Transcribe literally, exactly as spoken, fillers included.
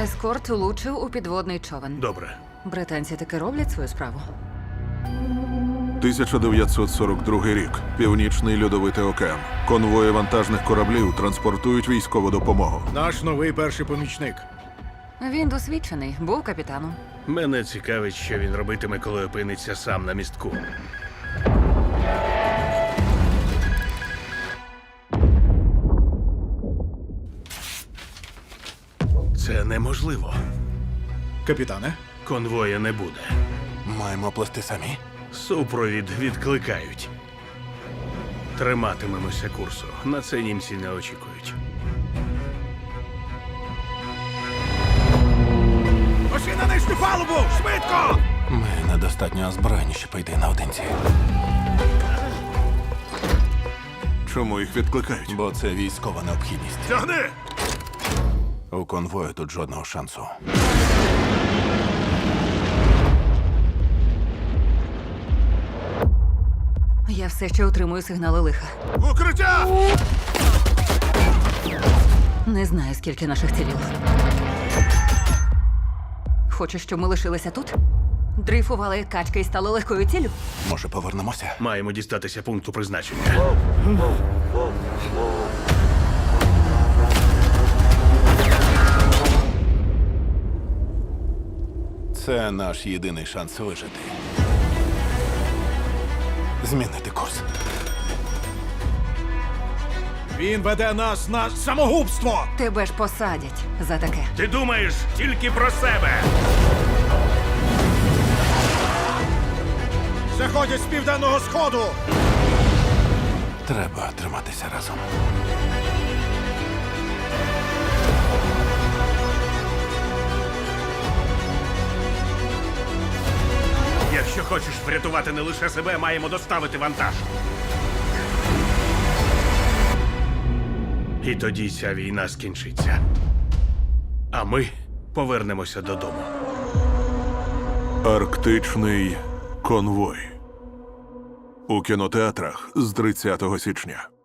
Ескорт влучив у підводний човен. Добре. Британці таки роблять свою справу. тисяча дев'ятсот сорок другий рік. Північний льодовитий океан. Конвої вантажних кораблів транспортують військову допомогу. Наш новий перший помічник. Він досвідчений, був капітаном. Мене цікавить, що він робитиме, коли опиниться сам на містку. Це неможливо. Капітане, Конвоя не буде. Маємо плести самі. Супровід відкликають. Триматимемося курсу. На це німці не очікують. Пошли на нижню палубу! Швидко! Ми недостатньо озброєні, щоб йти наодинці. Чому їх відкликають? Бо це військова необхідність. Тягни! У конвою тут жодного шансу. Я все ще отримую сигнали лиха. Укриття! Не знаю, скільки наших цілів. Хочеш, щоб ми лишилися тут? Дрейфували як качки і стали легкою ціллю? Може, повернемося? Маємо дістатися пункту призначення. Це наш єдиний шанс вижити. Змінити курс. Він веде нас на самогубство! Тебе ж посадять за таке. Ти думаєш тільки про себе! Заходять з південного сходу! Треба триматися разом. Якщо хочеш врятувати не лише себе, маємо доставити вантаж. І тоді ця війна скінчиться. А ми повернемося додому. Арктичний конвой. У кінотеатрах з тридцятого січня.